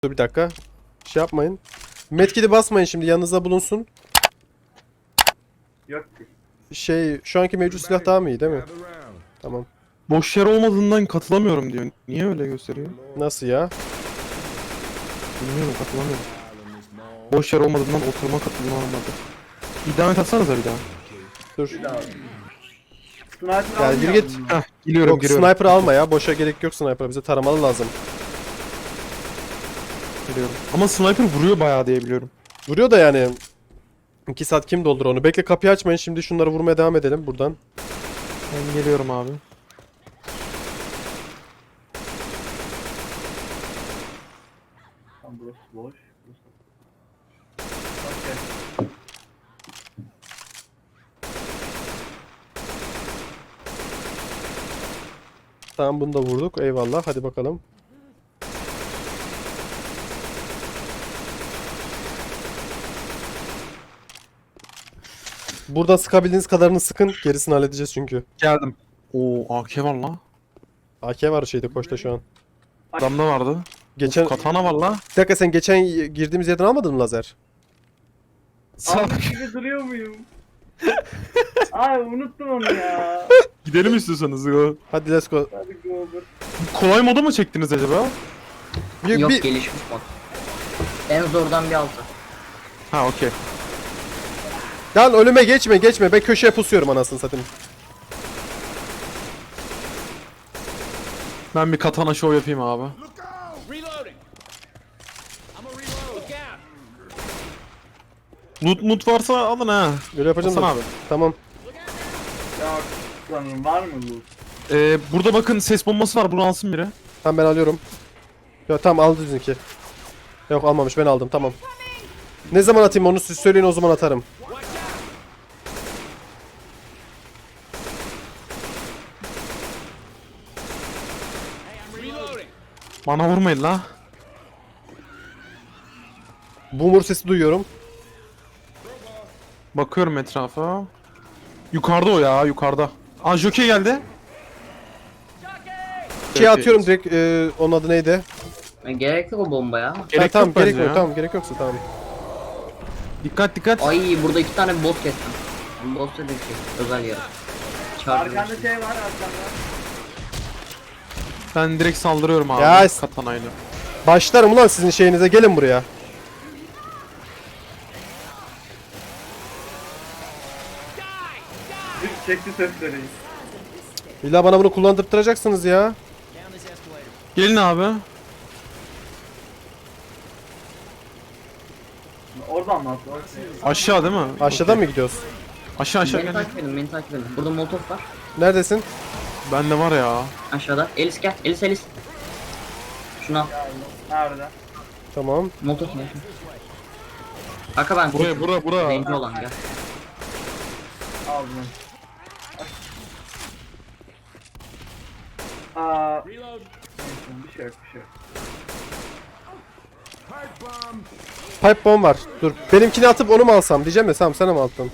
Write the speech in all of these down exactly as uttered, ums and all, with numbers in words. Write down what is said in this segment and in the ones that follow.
Dur bir dakika. Şey yapmayın. Medkit'i basmayın şimdi, yanınızda bulunsun. Yok ki. Şey, şu anki mevcut silah daha mı iyi değil mi? Tamam. Boş yer olmadığından katılamıyorum diyor. Niye öyle gösteriyor? Nasıl ya? Bilmiyorum, katılamıyorum. Boş yer olmadığından oturma katılma olmadı. Bir devam et atsanıza bir daha. Dur. Sniper Gel gir almıyor git. musun? Heh, giriyorum Yok, giriyorum. sniper alma ya. Boşa gerek yok sniper. Bize taramalı lazım. Giriyorum. Ama sniper vuruyor bayağı diye biliyorum. Vuruyor da yani. iki saat kim doldurur onu? Bekle, kapıyı açmayın. Şimdi şunları vurmaya devam edelim buradan. Ben geliyorum abi. Tamam, burası boş. Burası... Okey. Tamam, bunu da vurduk. Eyvallah. Hadi bakalım. Buradan sıkabildiğiniz kadarını sıkın. Gerisini halledeceğiz çünkü. Geldim. Oo, A K var la. A K var şeyde, koçta şu an. Adamda vardı. Geçen... Katana var la. Bir dakika, sen geçen girdiğimiz yerden almadın mı lazer? Abi gibi duruyor muyum? Ay unuttum onu ya. Gidelim istiyorsanız ya. Hadi let's go. Hadi go over. Kolay moda mı çektiniz acaba? Bir, Yok, bir- gelişmiş mod. En zordan bir altı. Ha okey. Lan önüme geçme geçme. Ben köşeye pusuyorum anasını satayım. Ben bir katana show yapayım abi. Reloading. I'm a reload. Look out. Loot mut varsa alın ha. Böyle yapacağım Hasan da. abi. Tamam. Ya sanırım var mı bu? Ee, burada bakın ses bombası var. Bunu alsın biri. Tamam, ben alıyorum. Ya tamam, aldı bizimki. Yok, almamış, ben aldım, tamam. Ne zaman atayım onu siz söyleyin, o zaman atarım. Reloading. Bana vurmayın la. Boomer sesi duyuyorum. Bakıyorum etrafa. Yukarıda o ya, yukarıda. Aa, Jockey geldi. Şey atıyorum direkt, e, onun adı neydi? E, gerek yok o bombaya. Gerek tamam, yok gerek bence yok, ya. tamam, gerek yoksa tamam. Dikkat dikkat. Ay, burada iki tane boss kestim. Boss dediğim şey, özel yer. Çağırdım. Arkanda şey var arkanda. Ben direkt saldırıyorum abi. Ya- Katanayla. Başlarım ulan sizin şeyinize, gelin buraya. Bir çekti sesleri. İlla bana bunu kullandırtıracaksınız ya. Gelin abi. Oradan mı attı? Aşağı değil mi? Aşağıdan mı gidiyoruz? Aşağı aşağı Beni gel. takip edin, beni takip edin. Burada molotof var. Neredesin? Bende var ya. Aşağıda. Elis gel, Elis Elis. Şunu al. Nerede? Tamam. Molotof ne? Arka ben. Buraya buraya buraya. Zenci olan gel. Aldım. Aa, Reload. bir şey yok, bir şey yok. Pipe bomb var. Dur. Benimkini atıp onu mu alsam diyeceğim de, tamam, sana mı attın?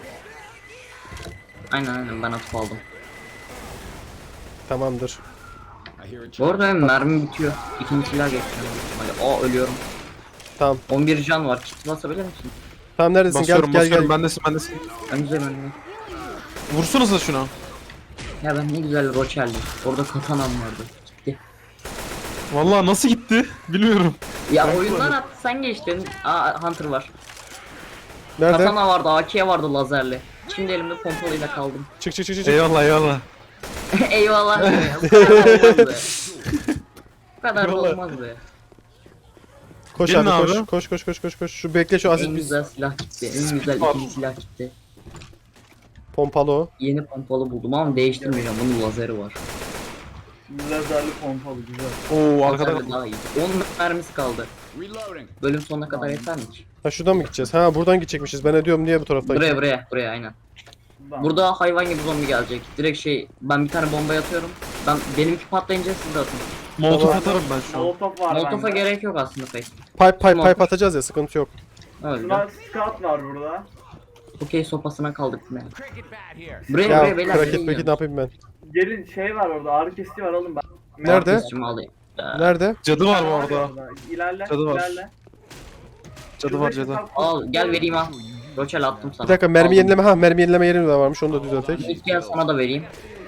Aynen aynen, ben atıp aldım. Tamamdır. Bu arada benim mermim bitiyor. İkinci silah geçiyorum. Hadi, aa, ölüyorum. Tamam. on bir can var. Kit basabilir misin? Tamam, neredesin? Basıyorum gel gel basıyorum. gel. Bendesin bendesin. Önce ben. Vursanıza şuna. Ya ben ne güzel roçeldim. Orada katanam vardı. Gitti. Vallahi nasıl gitti? Bilmiyorum. Ya oyundan attı, sen geçtin. Aa, Hunter var. Nerede? Katana vardı, A K vardı lazerli. Şimdi elimde pompalıyla kaldım. Çık çık çık çık. çık. Eyvallah eyvallah. Eyvallah be. Bu kadar da olmaz be. Bu kadar da Eyvallah. olmaz be. Koş Gelin abi, koş. abi. Koş koş koş koş koş. Şu bekle, şu En asit biz. güzel silah gitti. En güzel var. ikinci silah gitti. Pompalı o. Yeni pompalı buldum ama değiştirmeyeceğim. Bunun lazeri var. Lazerli pompalı güzel. Oo, arkada. Lazerli daha iyi. on mermisi kaldı. Reloading. Bölüm sonuna kadar yeter mi ki? Ha, şuradan mı gideceğiz? Ha, buradan gidecekmişiz. Ben ne diyorum, niye bu taraftan? Buraya buraya buraya aynen. Buradan. Burada hayvan gibi zombi gelecek. Direkt şey, ben bir tane bomba atıyorum. Ben benimki patlayınca siz de atın. Molotof Tamam. atarım ben şu an. Molotof var Molotof'a bende. gerek yok aslında pek. Pipe pipe Tamam. pipe atacağız ya, sıkıntı yok. Öyle. Şuna scout var burada. Okey, sopasına kaldık yine. Cricket bat here. Buraya Ya buraya beyler. kraket nereye peki ne gidiyorsun? yapayım ben? Gelin şey var orada, ağrı kesici var, alın ben. Nerede? Kesimi alayım. Nerede? Cadı var bu arada. İlerle, Cadı var. ilerle. Cadı var cadı. Al gel vereyim ha. Roçel attım sana. Bir dakika mermi Aldım. yenileme. Ha mermi yenileme yeri de varmış. Onu da düzeltek. Nick gel sana da vereyim.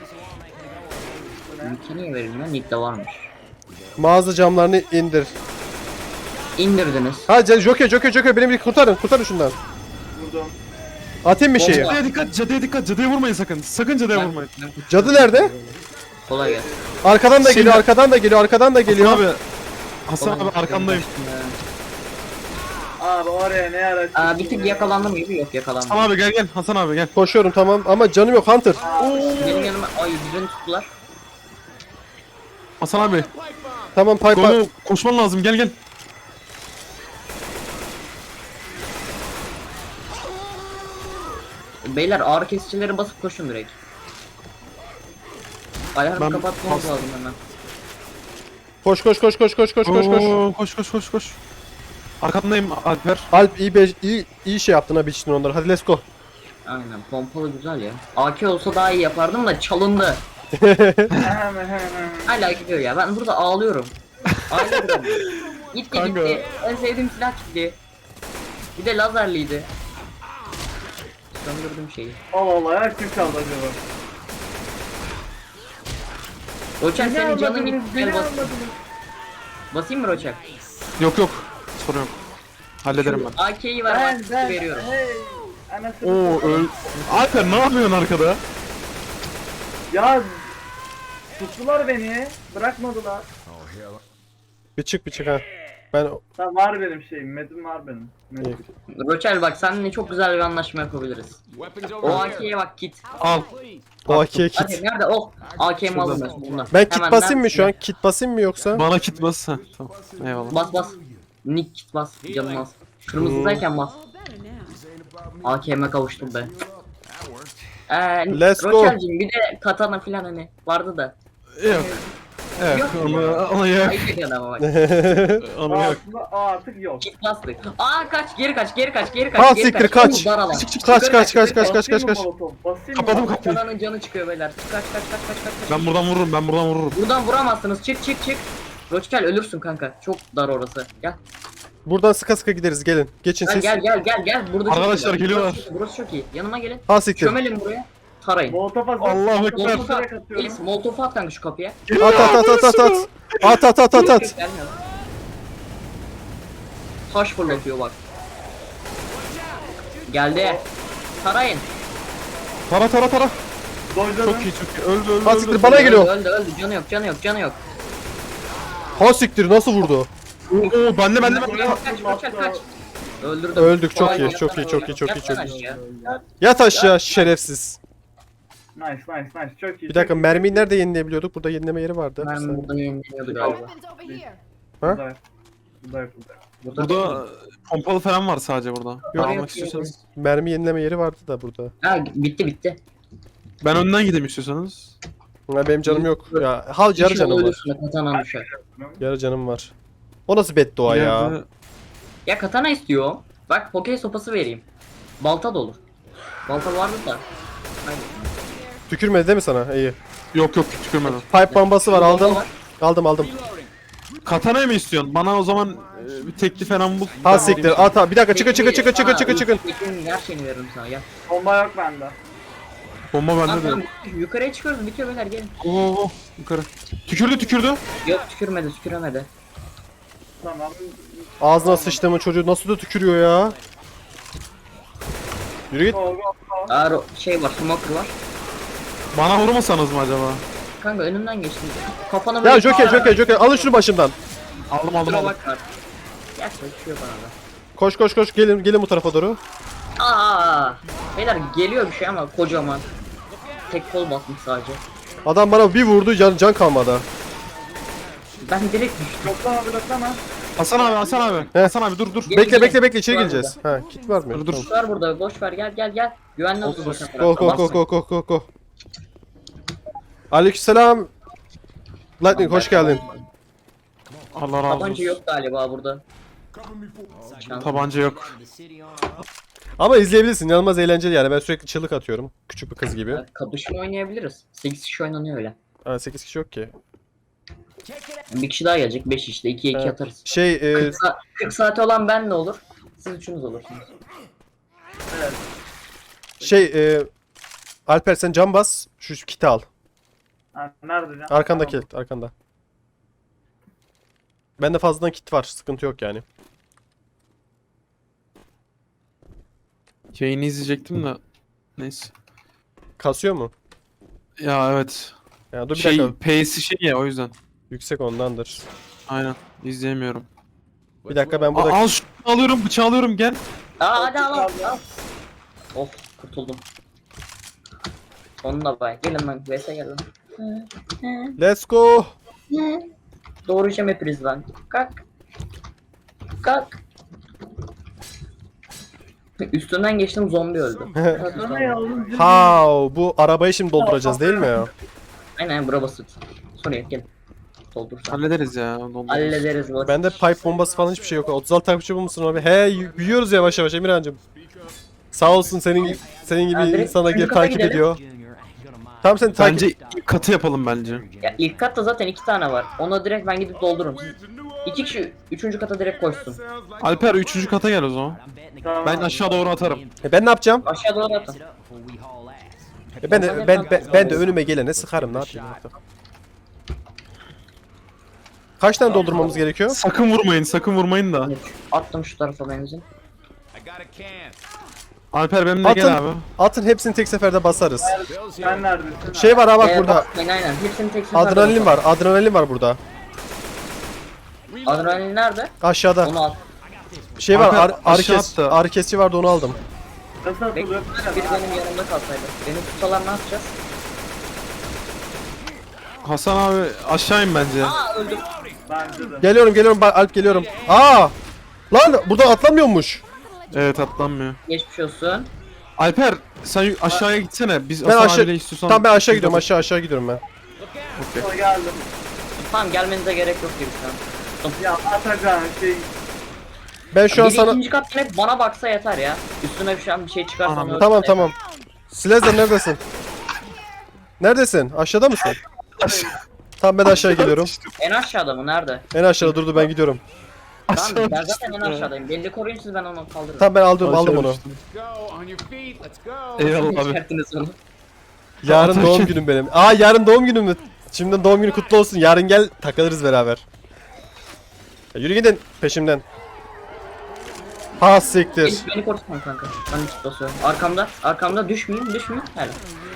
Nick'e niye verelim ya? Nick de varmış. Mağaza camlarını indir. İndirdiniz. Ha ce- Joker Joker Joker beni bir kurtarın. Kurtarın şundan. Vurdum. Atayım bir şeyi. Bomba. Cadıya dikkat, cadıya dikkat, cadıya vurmayın sakın. Sakın cadıya vurmayın. Cadı nerede? Kolay gelsin. Arkadan da Şimdi- geliyor, arkadan da geliyor, arkadan da geliyor. Hasan abi. Hasan abi arkandayım. Abi oraya ne ara Aa, bir tık yakalandım gibi yok yakalandım. Hasan abi gel gel. Hasan abi gel. Koşuyorum tamam ama canım yok Hunter. Benim yanıma ay birini tuttular. Hasan abi. Tamam pipe pipe. Golu koşman lazım gel gel. Beyler ağrı kesicileri basıp koşun direkt. Ayarını Ben- kapatmamız Bas- lazım hemen. Koş koş koş koş koş koş koş koş. Oo, koş koş koş koş. Arkandayım Alper. Alp iyi, be- iyi, iyi şey yaptın ha biçtin onları. Hadi let's go. Aynen pompalı güzel ya. A K olsa daha iyi yapardım da çalındı. hemen hemen. Hala gidiyor ya ben burada ağlıyorum. Ağlıyorum. Gitti Kanka. gitti. En sevdiğim silah gitti. Bir de lazerliydi. Söndürdüm şeyi. Allah Allah ya kim çaldı acaba? Roçak Beni senin canın almadınız, gitti. beni Gel bas. almadınız. Basayım mı Roçak? Yok yok. Sorun yok. Hallederim ben. A K'yi ver Ben bak ben veriyorum. hey. Anasını Oo satayım. öl. Alper ne yapıyorsun arkada? Ya tuttular beni. Bırakmadılar. Bir çık bir çık ha. Ben Tamam var benim şeyim. Medim var benim. Medim. Roçel bak seninle çok güzel bir anlaşma yapabiliriz. Weapons O over A here. K'ye bak kit. Al. Please. o A K'ye Hadi kit. nerede o? A K'mi alamıyorsun bundan. Ben kit Hemen basayım mı neredesin? şu an? Kit basayım mı yoksa? Bana kit bas. Heh, tamam. Eyvallah. Bas bas. Nick kit bas. Canım az. Kırmızıdayken bas. A K'me kavuştum be. Eee Let's go. Roçel'cim bir de katana filan hani vardı da. Yok. Evet, Yok. onu, onu yok. Ayıp ediyorsun ama bak. Onu yok. Aslında aa, artık yok. Kit bastık. Aa kaç geri kaç geri kaç geri kaç. Ha, geri siktir, kaç. kaç. Oo, dar alan. Kaç Yukarı kaç kaç kaç yukarı. kaç kaç Basayım kaç. mı molotof? Basayım mı? Kapadım kapıyı. Katananın canı çıkıyor beyler. Kaç kaç kaç kaç kaç kaç. Ben buradan vururum, ben buradan vururum. Buradan vuramazsınız. Çık çık çık. Roçel ölürsün kanka. Çok dar orası. Gel. Buradan sıka sıka gideriz gelin. Geçin Gel siz. gel gel gel gel. Burada çok Arkadaşlar iyi. geliyorlar. Burası, burası çok iyi. Yanıma gelin. Ha siktir. Çömelin buraya. Tarayın. Molotof hazır. Allahu ekber. Molotof at. Direkt atıyorum. Elis molotof at kanka şu kapıya. At at at at at at. At at at at at. Gelmiyor. Taş fırlatıyor bak. Geldi. Tarayın. Tara tara tara. Dojladım. Çok iyi çok iyi. Öldü öldü Ha öldü. siktir bana geliyor. Öldü öldü. Canı yok canı yok canı yok. Ha siktir nasıl vurdu? Oo oo bende bende bende. Kaç kaç kaç kaç. Öldürdüm. Öldük, çok Vay, iyi, yatsana çok iyi, çok öyle. iyi, çok iyi, çok Yatsana iyi. aşağı. Yat aşağı şerefsiz. Nice nice nice. Çok iyi. Bir dakika çok iyi. mermiyi nerede yenileyebiliyorduk? Burada yenileme yeri vardı. Bir Ben saniye. buradan yenileniyordu galiba. Weapons over here. Ha? Burada. Burada burada. Burada pompalı falan var sadece burada. Yok. Almak istiyorsanız. Mermi yenileme yeri vardı da burada. Ha bitti bitti. Ben önden gideyim istiyorsanız. Ha, benim canım yok. Ya hal yarı İnşallah canım var. ölürsün, katanan düşer. Yarı canım var. O nasıl beddua ya? İleride- Ya katana istiyor. Bak pokey sopası vereyim. Balta da olur. Balta vardı da. Hayır. Tükürmedi değil mi sana? İyi. Yok yok tükürmedim. Pipe bombası var aldım. Bomba var. Aldım aldım. Katana mı istiyorsun? Bana o zaman e, bir tekli falan bul. Ha siktir at ha. Bir dakika çıkın çıkın çıkın çıkın Sana çıkın çıkın. Tekin her şeyini veririm sana gel. Bomba yok bende. Bomba Tamam, bende tamam, de. yukarıya çıkıyoruz bitiyor beyler gelin. Oo yukarı. Tükürdü tükürdü. Yok tükürmedi tüküremedi. Tamam. Ağzına sıçtığımın çocuğu nasıl da tükürüyor ya? Yürü git. Go go go. Aa ro- şey var smoker var. Bana vurmasanız mı acaba? Kanka önümden geçtin. Kafana Ya böyle Joker Joker Joker alın şunu başımdan. Aldım aldım kusura aldım. bak var. Gerçi düşüyor bana da. Koş koş koş gelin gelin bu tarafa doğru. Aa, beyler geliyor bir şey ama kocaman. Tek kol basmış sadece. Adam bana bir vurdu can can kalmadı. Ben direkt düştüm. Bloklama bloklama. Hasan abi Hasan abi. He. Hasan abi dur dur. Gelin, Bekle gelin. bekle bekle içeri Var gireceğiz. Ha kit var mı? Dur, dur. Tamam. Var burada boş ver gel gel gel. Güvenli olsun. Olsun, zaten Go tarafta. go go go go go go. Aleykümselam. Lightning hoş geldin. Allah razı Tabanca olsun. yok galiba burada. Şans. Tabanca yok. Ama izleyebilirsin. İnanılmaz eğlenceli yani. Ben sürekli çığlık atıyorum. Küçük bir kız gibi. Kapışma oynayabiliriz. sekiz kişi oynanıyor öyle. Ha sekiz kişi yok ki. Bir kişi daha gelecek. beş işte. ikiye iki Evet. atarız. Şey e, kırk, sa- kırk saati olan ben ne olur? Siz üçünüz olursunuz. Evet. şey e, Alper sen cam bas. Şu, şu kiti al. Ha, nerede can? Arkandaki Tamam. kit, arkanda. Bende fazladan kit var. Sıkıntı yok yani. Yayını izleyecektim de. Neyse. Kasıyor mu? Ya evet. Ya dur bir Şey dakika. P'si şey ya o yüzden. Yüksek ondandır. Aynen. İzleyemiyorum. Bir dakika ben Aa, burada al şunu alıyorum, bıçağı alıyorum gel. Aa hadi al al. al. Of kurtuldum. Onunla bay. Gelin lan. Vese gelin. Let's go. Doğrayacağım hepiniz lan. Kalk. Kalk. Üstünden geçtim zombi öldü. Sonra yalnız bir- Ha, bu arabayı şimdi dolduracağız değil mi ya? Aynen bura basit. Sonra gel. Doldursan. Hallederiz ya. doldururuz. Hallederiz basit. Bende pipe bombası falan hiçbir şey yok. otuz altı takipçi bulmuşsun abi. He, y- büyüyoruz yavaş yavaş Emirhan'cığım. Sağ olsun senin gibi senin gibi Ha, direkt insana üçüncü gelip kata takip gidelim. ediyor. Tamam sen takip. Bence ilk katı yapalım bence. Ya ilk katta zaten iki tane var. Ona direkt ben gidip doldururum. Siz İki kişi üçüncü kata direkt koşsun. Alper üçüncü kata gel o zaman. Tamam. Ben aşağı doğru atarım. E ben ne yapacağım? Aşağı doğru atın. E ben de ben, ben, ben de önüme gelene sıkarım ne yapayım artık. Kaç tane doldurmamız gerekiyor? Sakın vurmayın, sakın vurmayın da. Attım şu tarafa benzin. I got a can. Alper benimle Atın. gel abi. Atın hepsini tek seferde basarız. Bill's Sen here. neredesin? Şey var ha bak Ee, burada. basmayın, aynen. Hepsini tek seferde Adrenalin basalım. var. Adrenalin var burada. Adrenalin nerede? Aşağıda. Onu al. Şey var. Alper, Ar ağrı, aşağı kes attı. ağrı kesici vardı onu aldım. Nasıl Bekle. atılıyor? Biri benim yanımda kalsaydı. Beni tutsalar ne yapacağız? Hasan abi aşağı in bence. Aa öldüm. Bence de. Geliyorum geliyorum Ba- Alp geliyorum. Aa! Lan burada atlamıyormuş. Evet atlanmıyor. Geçmiş olsun. Alper sen aşağıya gitsene. Biz Ben Hasan aşağı abiyle istiyorsan... Tamam ben aşağı gidiyorum. Aşağı aşağı gidiyorum ben. Sonra geldim. Tamam gelmenize gerek yok gibi şu an. Ya Atakan şey Ben şu an Biri sana ikinci kat net bana baksa yeter ya. Üstüne bir şey, bir şey çıkarsa Anam. onu Tamam öldürse tamam. Slezer neredesin? Neredesin? Aşağıda mısın? Tamam ben aşağı geliyorum. yeter. En aşağıda mı? Nerede? En aşağıda durdu ben gidiyorum. Tamam ben zaten en aşağıdayım. Belli koruyun siz ben onu kaldırırım. Tamam ben aldım aldım onu. Let's go. On your feet. Let's go. Eyvallah abi. Çıkarttınız onu. Yarın Atarken- doğum günüm benim. Aa yarın doğum günüm mü? Şimdiden doğum günü kutlu olsun. Yarın gel takılırız beraber. Ya yürü gidin peşimden. Ha siktir. Beni, beni korkutma kanka. Ben hiç basıyorum. Arkamda. Arkamda düşmeyeyim düşmeyeyim. Hele.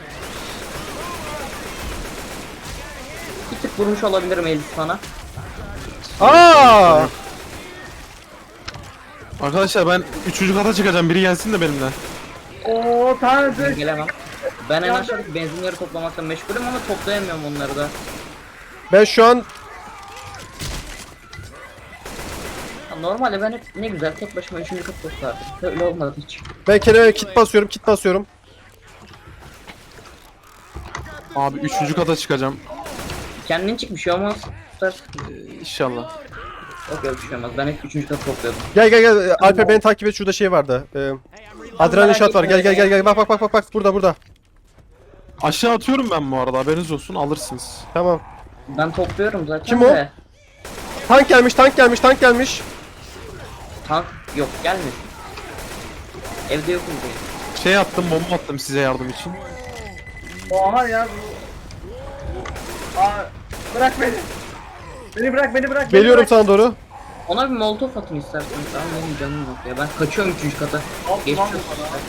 Bir tık vurmuş olabilirim Elif sana. Aa! Arkadaşlar ben üçüncü kata çıkacağım. Biri gelsin de benimle. ooo Ben tanrı. gelemem. Ben en aşağıdaki benzinleri toplamakla meşgulüm ama toplayamıyorum onları da. Ben şu an Ya normalde ben hep ne güzel tek başıma üçüncü kat toplardım. Öyle olmadı hiç. ben kendime kit basıyorum, kit basıyorum. Abi üçüncü kata çıkacağım. Kendin çık bir şey olmaz. Tutarsın. Ee, İnşallah. Yok yok bir şey olmaz. Ben hep üçüncü kat topluyordum. Gel gel gel Alper beni takip et şurada şey vardı. Ee, adrenalin shot var. Gel gel gel gel bak bak bak bak bak burada burada. Aşağı atıyorum ben bu arada. Haberiniz olsun alırsınız. Tamam. Ben topluyorum zaten Kim o? de. Tank gelmiş, tank gelmiş, tank gelmiş. Tank yok gelmesin. Evde yokum diye. Şey attım, bomba attım size yardım için. Oha ya. Aa, bırak beni. Beni bırak beni bırak. beni Geliyorum bırak. sana doğru. Ona bir molotof atın istersen. Tamam benim canım yok ya. Ben kaçıyorum üçüncü kata. Al, Geçmiş lan olsun. bana.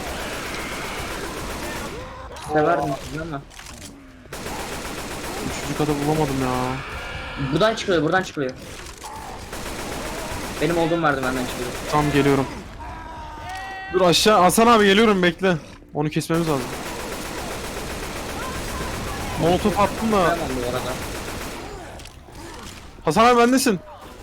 Severdim sizi ama. Üçüncü kata bulamadım ya. Buradan çıkılıyor, buradan çıkılıyor. Benim olduğum merdivenden çıkılıyor. Tam geliyorum. Dur aşağı Hasan abi geliyorum bekle. Onu kesmemiz lazım. Molotof attım da. Tamam bu arada. Hasan abi bendesin.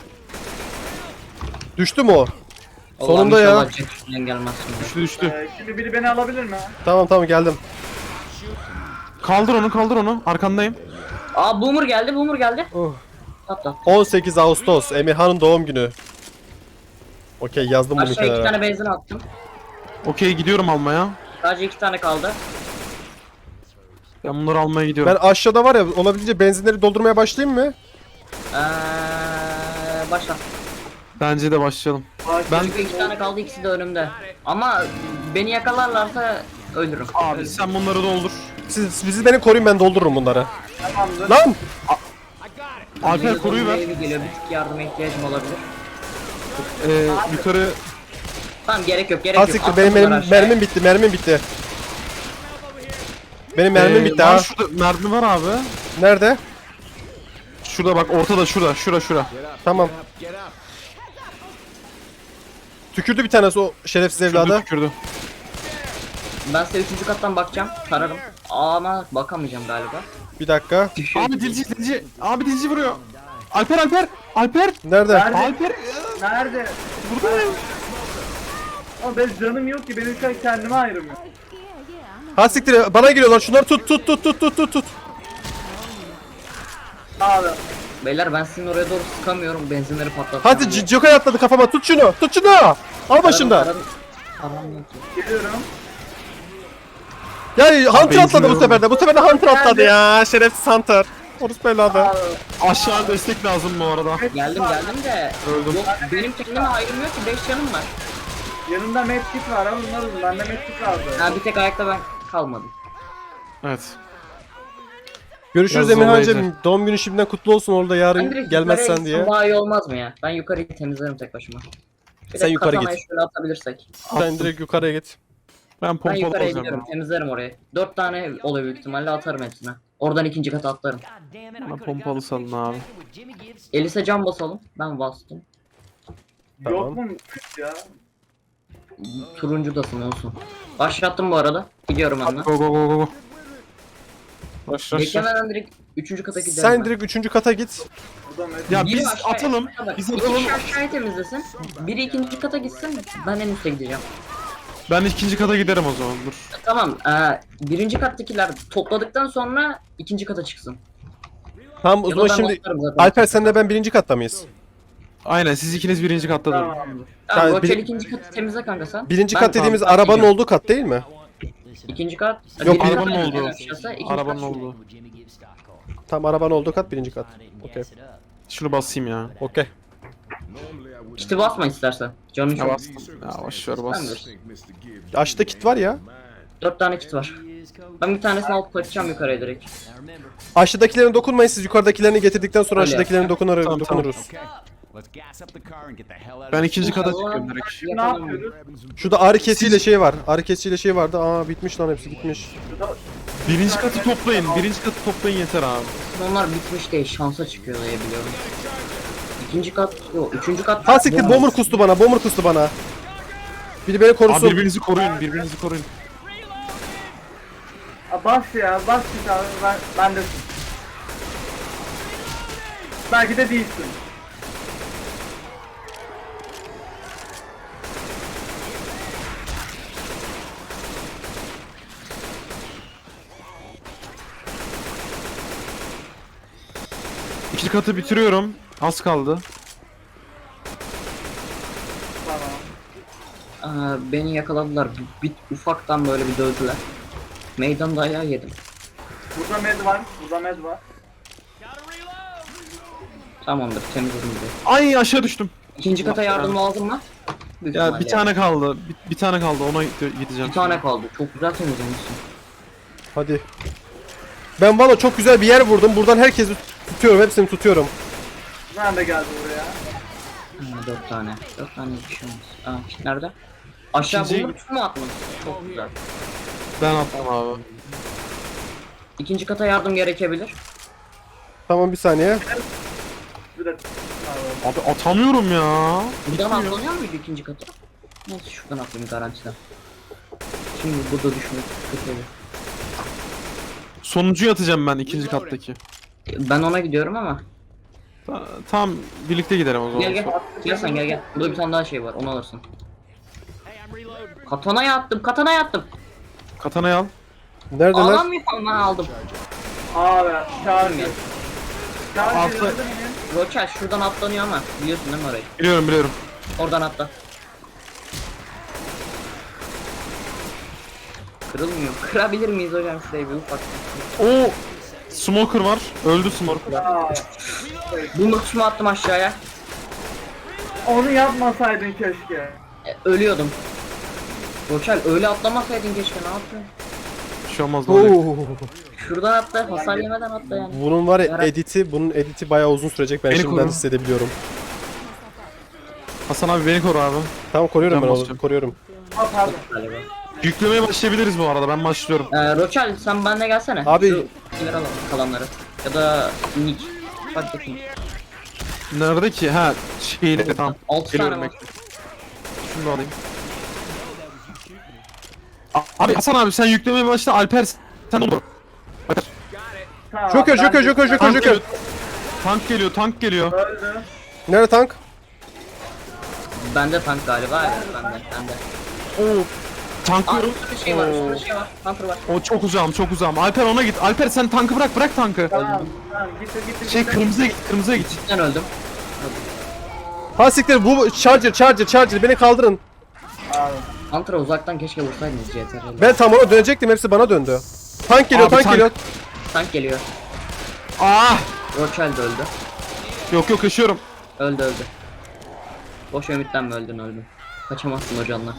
Düştü mü o? Allah'ım Sonunda ya. inşallah Jack üstünden gelmez şimdi. Düştü düştü. Ee, şimdi biri beni alabilir mi? Tamam tamam geldim. Kaldır onu kaldır onu. Arkandayım. Aa boomer geldi, boomer geldi. Oh. Atla. on sekiz Ağustos Emirhan'ın doğum günü. Okey yazdım bunu Aşağı iki kenara. tane benzin attım. Okey gidiyorum almaya. Sadece iki tane kaldı. Ben bunları almaya gidiyorum. Ben aşağıda var ya, olabildiğince benzinleri doldurmaya başlayayım mı? Eee başla. Bence de başlayalım. Ben Çünkü iki tane kaldı, ikisi de önümde. Ama beni yakalarlarsa ölürüm. abi sen bunları doldur. Siz bizi beni koruyun, ben doldururum bunları. Tamamdır. Lan! Alper koruyu ver. Evi geliyor, bir tık yardıma ihtiyacım olabilir. Ee, yukarı Tamam, gerek yok, gerek Ha yok. siktir, Attım benim, bunları benim aşağıya. mermim bitti, mermim bitti. Benim mermim Ee, bitti var ha. Şurada mermi var abi. Nerede? Şurada bak, ortada, şurada, şura, şura. Tamam. Get up. Tükürdü bir tanesi o şerefsiz Şurada evladı. tükürdü. Ben size üçüncü kattan bakacağım, tararım. Ama bakamayacağım galiba. Bir dakika. Abi dilci, dilci. Abi dilci vuruyor. Alper, Alper. Alper. Nerede? Nerede? Alper. Nerede? Buradayım. Ama benim canım yok ki, benim şu an kendime ayrılmıyor. Ha siktir, bana geliyorlar, şunları tut tut tut tut tut tut tut. Abi. Beyler, ben sizin oraya doğru sıkamıyorum, benzinleri patlattım. Hadi C- Joker atladı kafama, tut şunu, tut şunu. Al başında. Param yok ki. Geliyorum. Ya Hunter benzin atladı bu yok. sefer de, bu sefer de Hunter atladı ya, şerefsiz Hunter. Orus evladı. Abi. Aşağı destek lazım bu arada. Geldim geldim de Öldüm. yok, benim kendime ayrılmıyor ki, beş canım var. Yanımda medkit var ama bunlar uzun. Bende medkit vardı. Ha, bir tek ayakta ben kalmadım. Evet. Görüşürüz Biraz Emirhan'cığım. zorlayıcı. Doğum günü şimdiden kutlu olsun, orada Ben yarın direkt gelmezsen yukarıya diye. gitsem daha iyi olmaz mı ya? Ben yukarıyı temizlerim tek başıma. Bir Sen de yukarı katanayı git. şöyle atabilirsek. Sen direkt yukarıya git. Ben Ben pompalı yukarıya alacağım. gidiyorum, temizlerim orayı. Dört tane oluyor büyük ihtimalle, atarım hepsine. Oradan ikinci kata atlarım. Bana pompalı salın abi. Elise cam basalım. Ben bastım. Tamam. Yok mu medkit ya? Turuncudasın olsun. Başlattım bu arada. Gidiyorum hemen. Go go go go go. Başla. Beklemeden direkt üçüncü kata giderim. Sen ben. direkt üçüncü kata git. Burada medkit. Ya Biri biz aşağıya- atalım. Bak, Biz İki atalım. kişi aşağıya temizlesin. Biri ikinci kata gitsin. Ben en üste gideceğim. Ben ikinci kata giderim o zaman. Dur. Tamam. E, birinci kattakiler topladıktan sonra ikinci kata çıksın. Tamam o Ya da zaman ben şimdi atlarım zaten. Alper senle ben birinci katta mıyız? Aynen, siz ikiniz birinci katta durun. Tamamdır. Tamam, Yani Roçel bir- ikinci katı temizle kanka sen. Birinci Ben- kat dediğimiz Tamam, arabanın gidiyorum. olduğu kat değil mi? İkinci kat. Yok, birinci arabanın kat olduğu. en aşağısı, ikinci Arabanın kat. olduğu. Tam arabanın olduğu kat birinci kat. Okey. Şunu basayım ya. Okey. Kiti basma istersen. Canın Ya çok. bastım. Ya boş ver, bas. Tamamdır. Aşağıda kit var ya. Dört tane kit var. Ben bir tanesini alıp kaçacağım yukarıya direkt. Aşağıdakilerine dokunmayın, siz yukarıdakilerini getirdikten sonra Öyle aşağıdakilerine dokunur, Tamam, dokunuruz. Okay. Let's gas up the car and get the hell out Ben of ikinci kata Allah. çıkıyorum direkt. Ne yapıyoruz? Şurada ağrı kesiyle şey var. Ağrı kesiyle şey vardı. Aa bitmiş lan, hepsi gitmiş. Birinci katı toplayın. Birinci katı toplayın yeter abi. Onlar bitmiş değil, şansa çıkıyor diye biliyorum. İkinci kat, yok üçüncü kat. Ha siktir, bomber kustu bana, bomber kustu bana. Biri beni Abi korusun. birbirinizi koruyun, birbirinizi koruyun. Aa, bas ya, bas git abi. Ben, ben de... Belki de değilsin. İkinci katı bitiriyorum. Az kaldı. Tamam. Aa, beni yakaladılar. Bir, bir ufaktan böyle bir dövdüler. Meydan dayağı yedim. Burada med var. Burada med var. Tamamdır, temizledim diye. Ay, aşağı düştüm. İkinci kata yardım lazım mı? Büyük Ya ihtimalle. bir tane kaldı. Bir, bir tane kaldı. Ona gide- gideceğim. Bir tane kaldı. Çok güzel temizlemişsin. Hadi. Ben valla çok güzel bir yer vurdum. Buradan herkesi tutuyorum, hepsini tutuyorum. Ben de geldim buraya. Ha, dört tane. Dört tane bir şey olmaz. Aa, kit nerede? Aşağı İkinci- bunu mu attın? Çok güzel. Ben attım abi. İkinci kata yardım gerekebilir. Tamam bir saniye. Bir de... Tamam. Abi atamıyorum ya. Buradan atlanıyor muydu ikinci kata? Neyse şuradan atlayayım garantiden. Şimdi burada düşmek kötü olur. Sonuncuyu atacağım ben ikinci kattaki. Ben ona gidiyorum ama. Ta- Tam birlikte giderim o zaman. Gel gel. Gel sen gel gel. Burada bir tane daha şey var. Onu alırsın. Katana'ya attım. Katana'ya attım. Katanayı al. Neredeler? Alamıyorum, ben aldım. Abi, çağır Gel. Çağır Altı- geliyor değil mi? Roçel şuradan atlanıyor ama. Biliyorsun değil mi orayı? Biliyorum biliyorum. Oradan atla. Kırılmıyor. Kırabilir miyiz hocam şurayı bir ufak? O Smoker var. Öldü Smoker. Ya, Bu mutsumu attım aşağıya. onu yapmasaydın keşke. E, ölüyordum. Roçal öyle atlamasaydın keşke, ne yapıyorsun? Bir şey olmaz ne olacak? Oo. Şuradan atla, hasar yemeden atla yani. Bunun var ya Yarak- editi, bunun editi bayağı uzun sürecek. Ben Beni şimdiden koru. hissedebiliyorum. Hasan abi beni koru abi. Tamam koruyorum Ben ben onu, basacağım. koruyorum. Ha pardon. Galiba. Yüklemeye başlayabiliriz bu arada. Ben başlıyorum. Ee, Roçal sen benimle gelsene. Abi- Şu şeyleri alalım, kalanları. Ya da Nick. Fark etmiyor. Nerede ki? Ha şeyleri tamam. Altı Geliyorum tane var. bekle. Şunu da alayım. A- Abi Hasan abi sen yüklemeye başla. Alper sen olur. Alper. Tamam, Joker, ben Joker, de- Joker, Joker, Tank Joker. geliyor. Tank geliyor, tank geliyor. Öldü. Nerede tank? Bende tank galiba. Evet, bende. Bende. Oo. Tank Aa, diyorum. üstte bir şey var, üstte bir şey var. Hunter var. O çok uzağım, çok uzağım. Alper ona git. Alper sen tankı bırak, bırak tankı. Tamam, tamam, gitti gitti. Şey gitti. kırmızıya git, kırmızıya git. Ben öldüm. Ha siktir, bu charger, charger, charger, beni kaldırın. Abi. Hunter'a uzaktan keşke vursaydınız C T R'yle. Ben tam ona dönecektim, hepsi bana döndü. Tank geliyor, Abi tank, tank. geliyor. Tank geliyor. Ah! Roçal da öldü. Yok yok yaşıyorum. Öldü öldü. Boş ümitten mi öldün öldün. Kaçamazsın hocanla.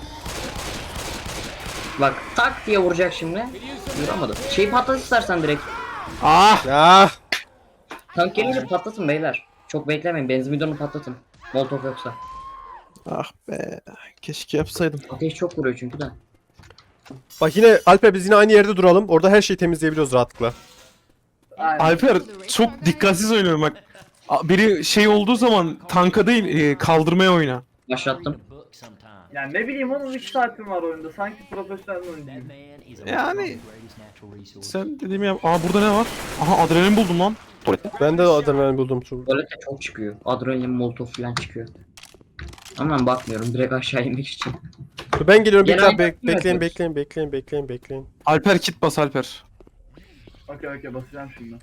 Bak tak diye vuracak şimdi. Vuramadım. Şeyi patlat istersen direkt. Ah! Ya. Tank gelince patlatın beyler. Çok beklemeyin, benzin bidonu patlatın. Molotov yoksa. Ah be. Keşke yapsaydım. Ateş çok vuruyor çünkü de. Bak yine Alper, biz yine aynı yerde duralım. Orada her şeyi temizleyebiliyoruz rahatlıkla. Aynen. Alper çok dikkatsiz oynuyorum bak. A- Biri şey olduğu zaman tanka değil e, kaldırmaya oyna. Başlattım. Yani ne bileyim onun üç saatim var oyunda. Sanki profesyonel oyuncu. Yani sen dediğimi yap. Aa burada ne var? Aha adrenalin buldum lan. Tuvalette. Ben de adrenalin buldum. Tuvalete çok çıkıyor. Adrenalin, molotov falan çıkıyor. Ama ben bakmıyorum, direkt aşağı inmek için. Dur, ben geliyorum, Genel bekle, be- yapmıyoruz. bekleyin, bekleyin, bekleyin, bekleyin, bekleyin. Alper kit bas Alper. Okey okey basacağım şimdi.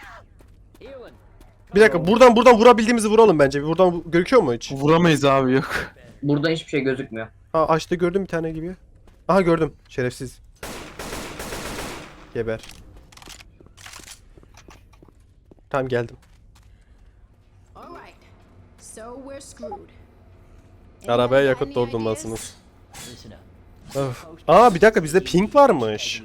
Bir dakika, buradan buradan vurabildiğimizi vuralım bence. Buradan vu- gözüküyor mu hiç? Vuramayız abi yok. Burada hiçbir şey gözükmüyor. Ha açtı, gördüm bir tane gibi. Aha gördüm, şerefsiz. Geber. Tamam geldim. Alright, so we're screwed. Arabaya yakıt doldurmalısınız. Öf. Aa bir dakika, bizde ping varmış.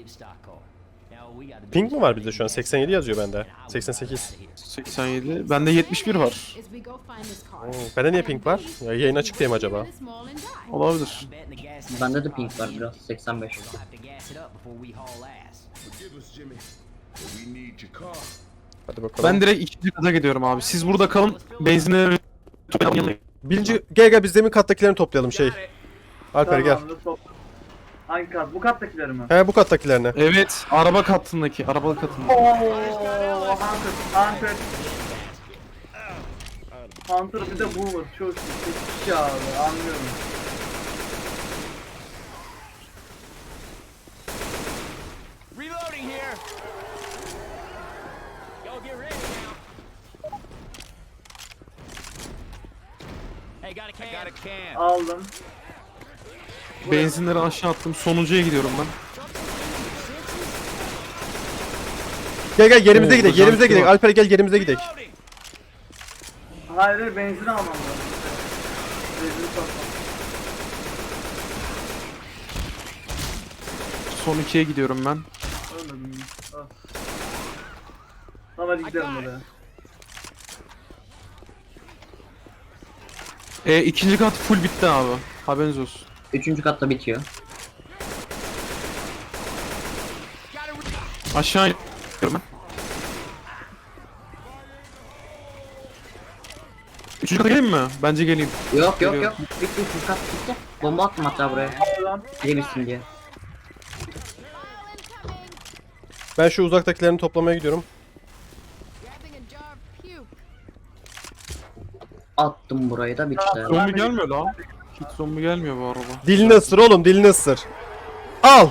Ping mi var bizde şu an? seksen yedi yazıyor bende. seksen sekiz. seksen yedi. Bende yetmiş bir var. As we go find this car. Oo, bende niye ping var? Ya, yayın açık diye mi acaba? This mall and die. Olabilir. Bende de pink var biraz, seksen beş. Hadi bakalım. Ben direkt ikinci kata gidiyorum abi. Siz burada kalın. Benzinleri Birinci, gel gel biz demin kattakilerini toplayalım şey. Alper gel. Tamamdır, top. Hangi kat? Bu kattakileri mi? He bu kattakilerini. Evet, araba katındaki, araba katındaki. Ooo Hunter, Hunter. Hunter bir de Boomer. Çok çok iyi abi, anlıyorum. Reloading here. Go get ready now. Hey, got a can. I got a can. Aldım. Benzinleri aşağı attım. Sonuncuya gidiyorum ben. Gel gel yerimize Oo, gidelim, hocam, yerimize gidelim. var. Alper gel yerimize gidelim. Hayır hayır, benzin almam lazım. Benzin satmam. Son ikiye gidiyorum ben. Ölmedim. Ah. Tamam hadi gidelim oraya. E, ikinci kat full bitti abi. Haberiniz olsun. Üçüncü katta bitiyor. Aşağı iniyorum ben. Üçüncü kata geleyim mi? Bence geleyim. Yok yok Geliyorum. yok. Bitti, üçüncü kat bitti. Bomba attım hatta buraya. Lan. Biri bitsin diye. Ben şu uzaktakilerini toplamaya gidiyorum. Grabbing a jar of puke. Attım burayı da bitti. Zombi gelmiyor lan. Hiç zombi gelmiyor bu araba. Dilini ısır oğlum, dilini ısır. Al.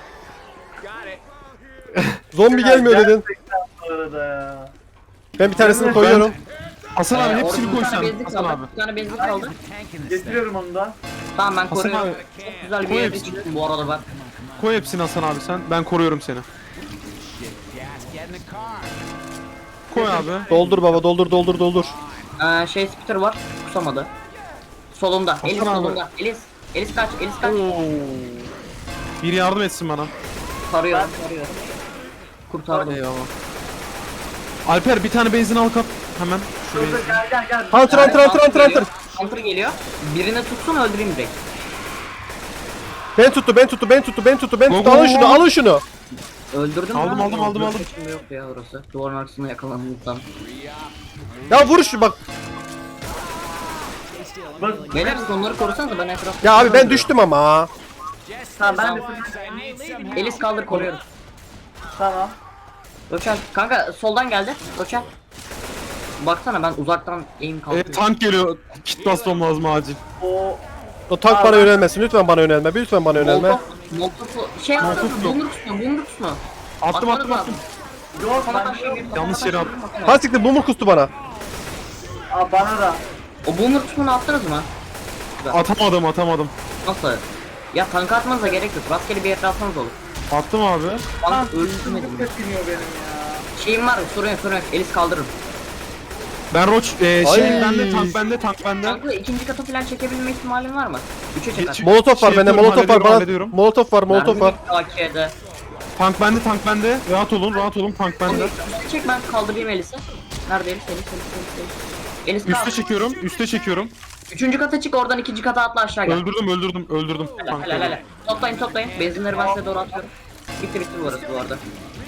Zombi gelmiyor dedin. Bu arada ya. Ben bir tanesini koyuyorum. Hasan abi Ee, hepsini orada bir tane koysan. benzin Hasan kaldı. abi. Bir tane benzin kaldı. Getiriyorum onu da. Tamam ben Hasan koruyorum. abi. Çok güzel bir Koy yere hepsini. çıktım bu arada ben. Koy hepsini Hasan abi sen. Ben koruyorum seni. Gas, get in the car. Koy abi. Doldur baba, doldur doldur doldur. Ee, şey spitter var. Kusamadı. Solunda. Elis abi. solunda. Elis. Elis kaç. Elis kaç. Bir yardım etsin bana. Sarıyor. Sarıyor. Kurtardım. Eyvallah. Alper bir tane benzin al kap. Hemen. Şu Dur dur benzin. gel gel gel. Hunter hunter hunter hunter hunter. Hunter geliyor. Birini tutsun öldüreyim direkt. Ben tuttu ben tuttu ben tuttu ben tuttu ben Go, tuttu. go, Alın go. şunu alın şunu. Öldürdüm Aldım, lan. aldım, aldım, aldım. Şimdi yok ya orası. Duvarın arkasına yakalandıktan. Ya vur şu bak. Beyler siz onları korusanız ben etrafta. Ya abi ben düştüm ama. Tamam ben de I need some help. Elis kaldır koruyorum. Tamam. Doçer kanka soldan geldi. Doçer. Baksana ben uzaktan aim E, kalkıyorum. tank geliyor. Kit basmam lazım acil. O O tank bana yönelmesin. Lütfen bana yönelme. Lütfen bana yönelme. Molotov, Molotov, şey yaptın mı? Molotov yok. Bumruk tutma, bumruk tutma. Attım Atmanız attım lazım. attım. yok Kafana ben taş şey bir- kafana Yanlış taş yere şey attım. bir bakın. Ha siktir bumur kustu bana. Aa, bana da. O bumruk tutmanı attınız mı? Atamadım atamadım. Nasıl? Ya tanka atmanıza gerek yok. Rastgele bir yere atmanız olur. Attım abi. Lan Tank üstüm öldürmedim. bu tepiniyor benim ya. Şeyim var, sorun yok, sorun yok. Elis kaldırırım. Ben roç e, Ay. şey bende tank bende tank bende. Tankla ikinci katı falan çekebilme ihtimalin var mı? Üçe çeker. Geç- Molotof var Şey bende. yapıyorum, Molotof var hallediyorum, bana. hallediyorum. Molotof var molotof var. A K'de. Tank bende tank bende. Rahat olun rahat olun tank bende. Üste çek ben kaldırayım Elis'i. Nerede Elis? Elis, Elis, Elis, Elis. Elis Üste kalk. çekiyorum üste çekiyorum. Üçüncü kata çık oradan ikinci kata atla aşağı gel. Öldürdüm öldürdüm öldürdüm. Helal Tank helal helal. Toplayın toplayın. Benzinleri ben size doğru atıyorum. Bitti bitti burası bu arada.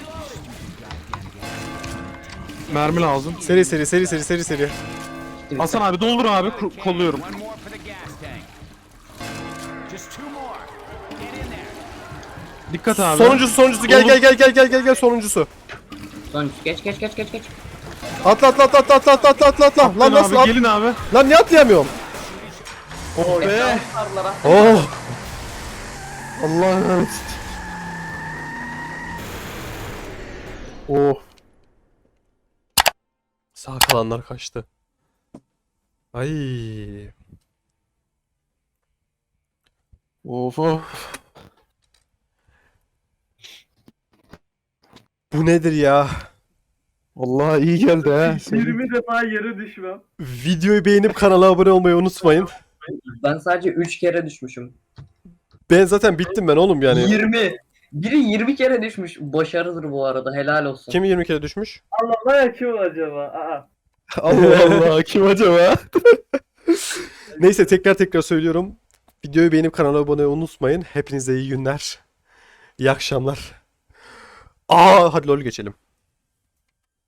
Mermi lazım. Seri seri seri seri seri seri. Bitti, bitti. Hasan abi doldur abi ku- kolluyorum. One more for the gas tank. Just two more. Get in there. Dikkat abi. Sonuncusu sonuncusu gel Doldur. gel gel gel gel gel gel sonuncusu. Sonuç geç geç geç geç geç. Atla atla atla atla atla atla atla atla atla. Lan Gelin nasıl abi at? gelin abi. Lan niye atlayamıyorum? Oh be. Sarılara. Oh. Allah'ım emanet. Oh. Sağ kalanlar kaçtı. Ay. Of of. Bu nedir ya? Vallahi iyi geldi ha. yirmi defa yere düşmem. Videoyu beğenip kanala abone olmayı unutmayın. Ben sadece üç kere düşmüşüm. Ben zaten bittim ben oğlum yani. yirmi. Biri yirmi kere düşmüş. Başarıdır bu arada. Helal olsun. Kim yirmi kere düşmüş? Allah Allah ya kim acaba? Aa. Allah Allah. Allah kim acaba? Neyse tekrar tekrar söylüyorum. Videoyu beğenip kanala abone olmayı unutmayın. Hepinize iyi günler. İyi akşamlar. Aa hadi LoL geçelim.